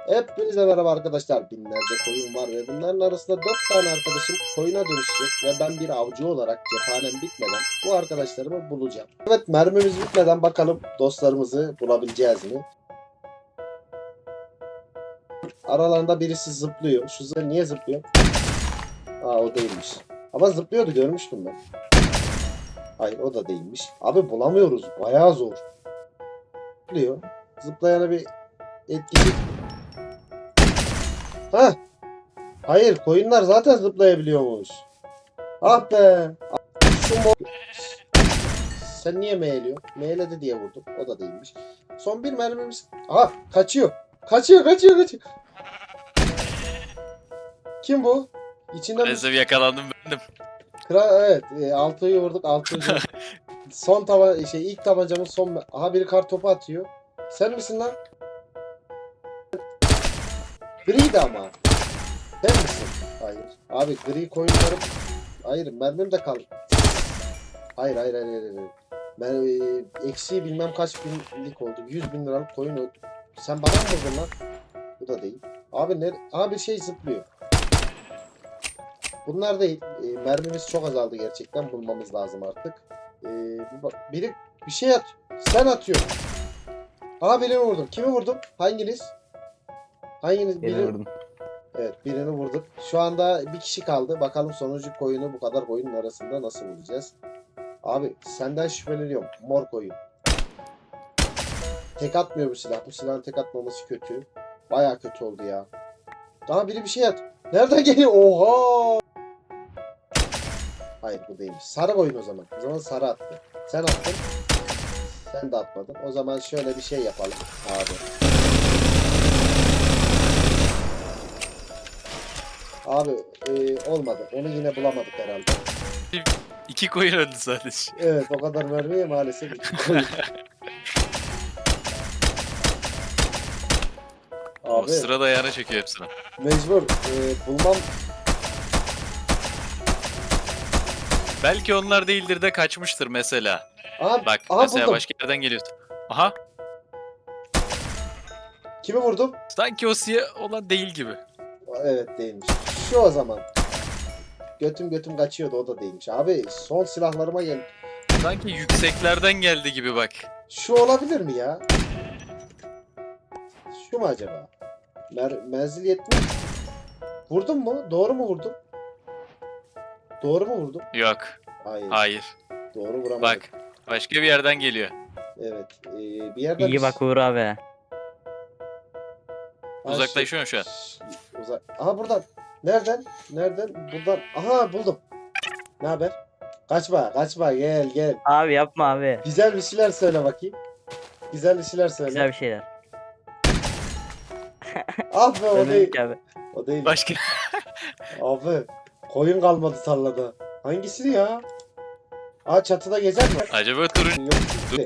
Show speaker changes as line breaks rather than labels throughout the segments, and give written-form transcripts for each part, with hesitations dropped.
Hepinize merhaba arkadaşlar. Binlerce koyun var ve bunların arasında 4 tane arkadaşım koyuna dönüşecek ve ben bir avcı olarak cephanem bitmeden bu arkadaşlarımı bulacağım. Evet, mermimiz bitmeden bakalım dostlarımızı bulabileceğiz mi? Aralarında birisi zıplıyor. Şu niye zıplıyor? Aa, o değilmiş. Ama zıplıyordu, görmüştüm ben. Hayır, o da değilmiş. Abi bulamıyoruz. Bayağı zor. Zıplıyor. Zıplayana bir etkisi. Ha? Hayır, koyunlar zaten zıplayabiliyormuş. Ah be. Şu Sen niye meğliyorsun? Meğledi diye vurdum. O da değilmiş. Son bir mermimiz. Aha, kaçıyor. Kaçıyor. Kim bu? İçinden
Maalesef yakalandım bendim.
Evet, 6'yı vurduk. 6. Son ilk tabancamın son. Aha, biri kar topu atıyor. Sen misin lan? Griydi ama. Sen misin? Hayır. Abi gri koyunlarım. Hayır, mermim de kaldı. Hayır. Ben eksi bilmem kaç binlik oldu. 100.000 liralık koyun oldu. Sen bana mı vurdun lan? Bu da değil. Abi ne? Abi şey zıplıyor. Bunlar değil. Mermimiz çok azaldı gerçekten. Bulmamız lazım artık. Biri bir şey at. Sen atıyorsun. Aha, birini vurdum. Kimi vurdum? Hanginiz?
Birini vurdum.
Evet, birini vurduk. Şu anda bir kişi kaldı. Bakalım sonuncu koyunu bu kadar koyunun arasında nasıl bulacağız? Abi senden şüpheleniyorum. Mor koyun. Tek atmıyor bu silah. Bu silahın tek atmaması kötü. Baya kötü oldu ya. Daha biri bir şey at. Nereden geliyor? Oha! Hayır, bu değilmiş. Sarı koyun o zaman. O zaman sarı attı. Sen attın. Sen de atmadın. O zaman şöyle bir şey yapalım abi. Abi olmadı. Onu yine bulamadık herhalde.
2 koyun öldü sadece.
Evet, o kadar mermiye maalesef iki koyun.
O
Abi
sırada ayağına çekiyor hepsini.
mecbur bulmam.
Belki onlar değildir de kaçmıştır mesela.
Aha,
Bak
aha
mesela
buldum.
başka yerden geliyorsun. Aha,
Kimi vurdum?
sanki o siyah olan değil gibi.
Evet, değilmiş. Şu o zaman. Götüm kaçıyordu, o da değilmiş. Abi son silahlarıma gel.
Sanki yükseklerden geldi gibi bak.
Şu olabilir mi ya? Şu mu acaba? Menzil 70. Vurdum mu? Doğru mu vurdum? Doğru mu vurdum?
Yok,
Hayır.
hayır.
Doğru vuramadım.
Bak, başka bir yerden geliyor.
Evet. Bir yerden
İyi bak Uğur abi.
Ha,
Uzaklaşıyorsun şu an.
Aha, buradan. Nereden? Buradan. Aha, buldum. Ne haber? Kaçma, gel.
Abi yapma abi.
Güzel bir şeyler söyle bakayım. Güzel bir şeyler söyle.
Güzel bir şeyler.
Ah be, o değil.
Ölmedik abi.
O değil.
Başka
Abi koyun kalmadı tarlada. Hangisi ya? Aa, çatıda gezer mi?
acaba turun
Yok.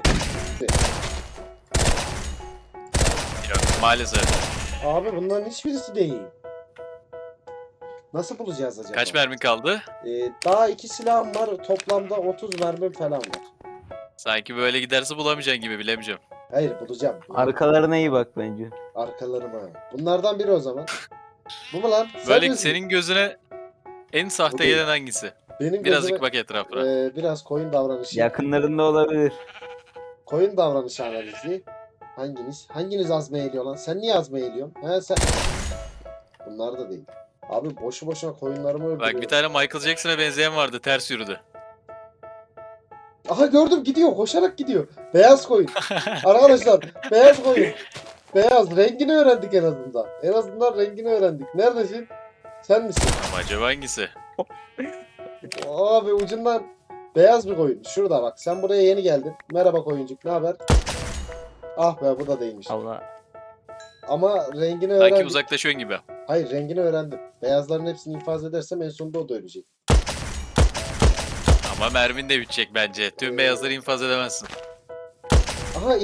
yok maalesef.
Abi bunların hiçbirisi değil. Nasıl bulacağız acaba?
Kaç mermin kaldı?
Daha 2 silahım var. Toplamda 30 mermim falan var.
Sanki böyle giderse bulamayacaksın gibi, bilemeyeceğim.
Hayır, bulacağım.
Arkalarına iyi bak bence.
Arkalarıma. Bunlardan biri o zaman. Bu mu lan? Sen
Böyle
misin?
senin gözüne en
Bu
sahte
değil.
gelen hangisi?
Benim
Birazcık
gözüme
bak etrafına.
biraz koyun davranışı.
Yakınlarında olabilir.
Koyun davranışı analizi. Hanginiz azmaya eğiliyor lan? Sen niye azmaya eğiliyorsun? He sen. Bunlar da değil. Abi boşu boşuna koyunlarımı öldürüyor.
Bak bir tane Michael Jackson'a benzeyen vardı, ters yürüdü.
Aha, gördüm, gidiyor, koşarak gidiyor. Beyaz koyun. Arkadaşlar, beyaz koyun. Beyaz, rengini öğrendik en azından. En azından rengini öğrendik. Neredesin? Sen misin?
Ama acaba hangisi?
Abi ucundan beyaz bir koyun. Şurada bak, sen buraya yeni geldin. Merhaba koyuncuk, ne haber? Ah be, bu da değilmiş.
Allah.
Ama rengini
Sanki
öğrendim.
uzaklaşıyorsun gibi.
Hayır, rengini öğrendim. Beyazların hepsini infaz edersem en sonunda o da ölecek.
Ama mermin de bitecek bence. Tüm beyazları infaz edemezsin.
Aha,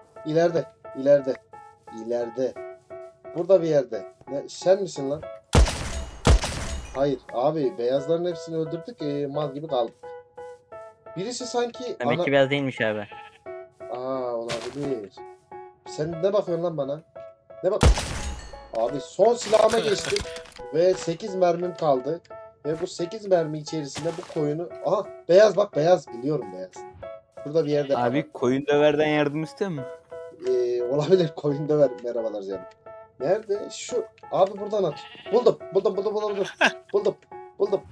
ileride. Burada bir yerde. Sen misin lan? Hayır abi, beyazların hepsini öldürdük, mal gibi kaldık. Birisi sanki
Demek ki beyaz değilmiş abi.
Aa, olabilir. Sen ne bakıyorsun lan bana? Ne bak? Abi son silahıma geçtim. Ve 8 mermim kaldı. Ve bu 8 mermi içerisinde bu koyunu... Aha beyaz bak beyaz. Biliyorum beyaz. Burada bir yerde
Abi koyun döverden yardım istiyor mu?
olabilir koyun döver. Merhabalar canım. Nerede? Şu. Abi buradan at. Buldum. Buldum.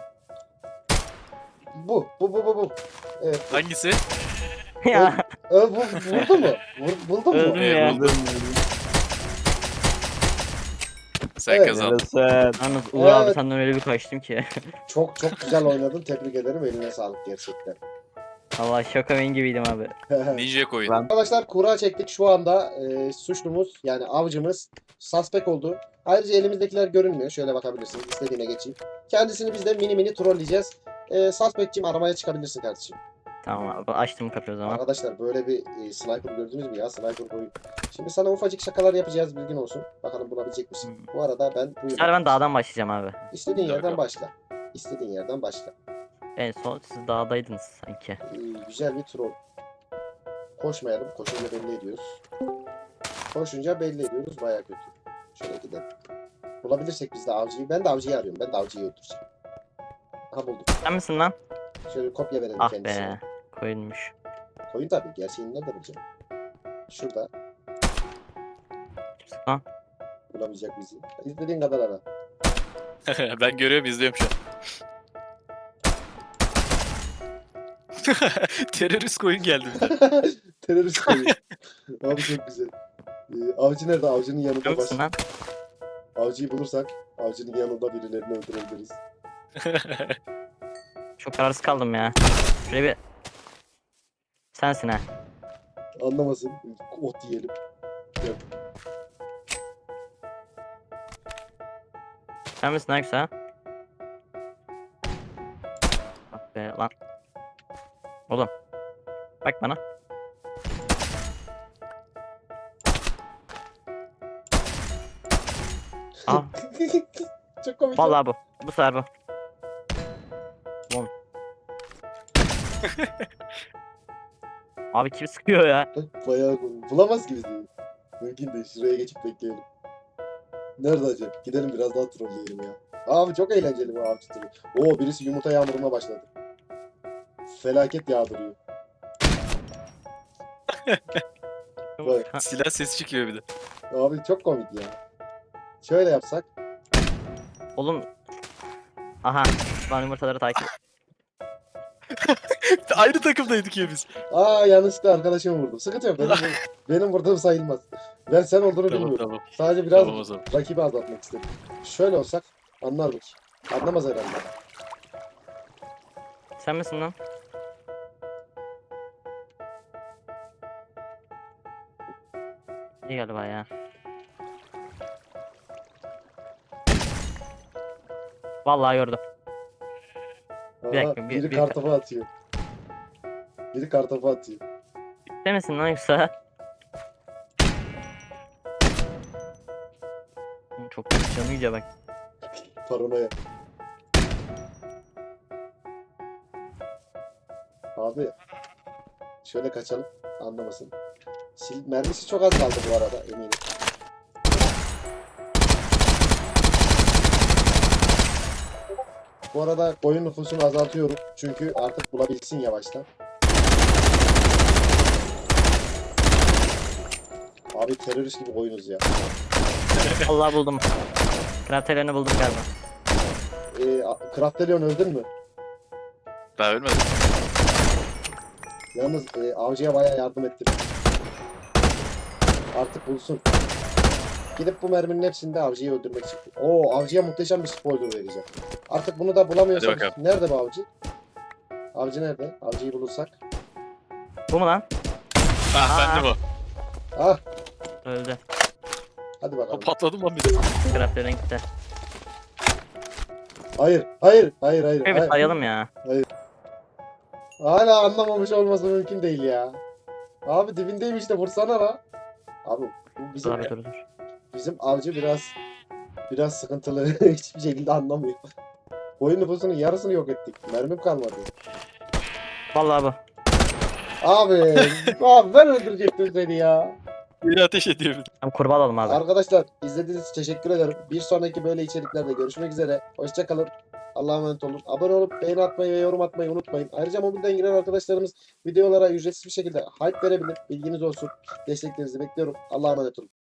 Bu. Evet.
Hangisi?
Ya
Vurdu mu? Buldun mu?
öldüm ya.
buldum. Sen
Evet.
kazandın.
Yarasın. Yalnız Uğur abi
Evet.
senden öyle bir kaçtım ki.
Çok güzel oynadın. Tebrik ederim. Eline sağlık gerçekten.
Valla şokamen gibiydim abi.
Ninja koyun.
Lan.
Arkadaşlar kura çektik. Şu anda suçlumuz yani avcımız suspect oldu. Ayrıca elimizdekiler görünmüyor. Şöyle bakabilirsiniz. İstediğine geçeyim. Kendisini biz de mini trolleyeceğiz. Suspect'cim aramaya çıkabilirsin kardeşim.
Tamam abi açtım kapıyı o zaman.
Arkadaşlar böyle bir sniper gördünüz mü ya? Sniper boyu. Şimdi sana ufacık şakalar yapacağız, bilgin olsun. Bakalım bulabilecek misin? Bu arada ben
Bu
buyum.
sefer ben dağdan başlayacağım abi.
İstediğin
Hadi
yerden
bakalım.
başla. İstediğin yerden başla.
En son siz dağdaydınız sanki.
Güzel bir troll. Koşmayalım. Koşunca belli ediyoruz. Koşunca belli ediyoruz. Baya kötü. Şöyle gidelim. Bulabilirsek biz de avcıyı. Ben de avcıyı arıyorum. Ben de avcıyı öldüreceğim. Aha buldum.
Sen misin lan?
Şöyle bir kopya verelim
Ah
kendisine.
be. Koyunmuş.
Koyun tabii. Gerçeğini nerede bulacağım? Şurada.
Kimsin lan?
Bulamayacak bizi. İstediğin kadar ara.
Ben görüyorum, izliyorum şu an. Terörist koyun geldi bir de.
Terörist koyun. Abi çok güzel. Avcı nerede? Avcının yanında
Sen
baş.
misin lan?
Avcıyı bulursak avcının yanında birilerini öldürebiliriz.
Çok kararsız kaldım ya. Şuraya bir... Sensin ha.
Anlamasın. Ot yiyelim. Gel.
Sen misin lan yoksa? Bak be lan. Oğlum. Bak bana. Aa,
Çok komik.
vallahi bu. Bu sefer bu. Oğlum. Abi kim sıkıyor ya?
Bayağı komik. Bulamaz gibi değil. Mümkün değil. Şuraya geçip bekleyelim. Nerede acaba? Gidelim biraz daha trolleyelim ya. Abi çok eğlenceli bu avcı türü. Oo birisi yumurta yağmuruna başladı. Felaket yağdırıyor. Bak.
Silah sesi çıkıyor bir de.
Abi çok komik ya. Şöyle yapsak.
Oğlum. Aha. Ben yumurtaları takip.
Aynı takımdaydık ya biz.
Aa yanlışlıkla arkadaşımı vurdum. Sıkıntı yok. Benim vurdığım sayılmaz. Ben sen olduğunu
Tamam
bilmiyorum.
tamam.
Sadece biraz
Tamam o zaman.
rakibi azaltmak istedim. Şöyle olsak anlar mı ki? Anlamaz herhalde.
Sen misin lan? İyi galiba ya. Vallahi gördüm.
Aa,
Bir dakika,
biri
bir-
kartopu atıyor. Biri kartopu atıyor.
Sen misin lan yoksa? Çok canı iyice bak.
Paranoya. Abi. Şöyle kaçalım. Anlamasın. Mermisi çok az kaldı bu arada eminim. Bu arada oyun nüfusunu azaltıyorum. Çünkü artık bulabilsin yavaştan. Abi terörist gibi oyunuz ya.
Allah buldum. Kraterlerini buldum galiba.
Kraftelion öldün mü?
Daha ölmedim.
Yalnız avcıya bayağı yardım ettim. Artık bulsun. Gidip bu merminin hepsini de avcıyı öldürmek için. Oo avcıya muhteşem bir spoiler vereceğim. Artık bunu da bulamıyorsak
Hadi bakalım.
nerede bu avcı? Avcı nerede? Avcıyı bulursak.
Bu mu lan?
Ah bendim o.
Ah
Öldü.
hadi
O
bakalım.
patladım lan bir de.
Kraterlerin gitti.
Hayır.
Şöyle bir
Hayır.
sayalım ya.
Hala anlamamış olması mümkün değil ya. Abi dibindeymiş de vursana la. Abi bu bizim
Dur abi dur.
bizim avcı biraz sıkıntılı. Hiçbir şekilde anlamıyor. Oyun nüfusunun yarısını yok ettik. Mermim kalmadı.
Vallahi bu.
Abi ben öldürecektim seni ya.
Biri ateş ediyor bir de.
Tamam kurbağa alalım abi.
Arkadaşlar izlediğiniz için teşekkür ederim. Bir sonraki böyle içeriklerde görüşmek üzere. Hoşçakalın. Allah'a emanet olun. Abone olup beğeni atmayı ve yorum atmayı unutmayın. Ayrıca mobilden giren arkadaşlarımız videolara ücretsiz bir şekilde hype verebilir. Bilginiz olsun. Desteklerinizi bekliyorum. Allah'a emanet olun.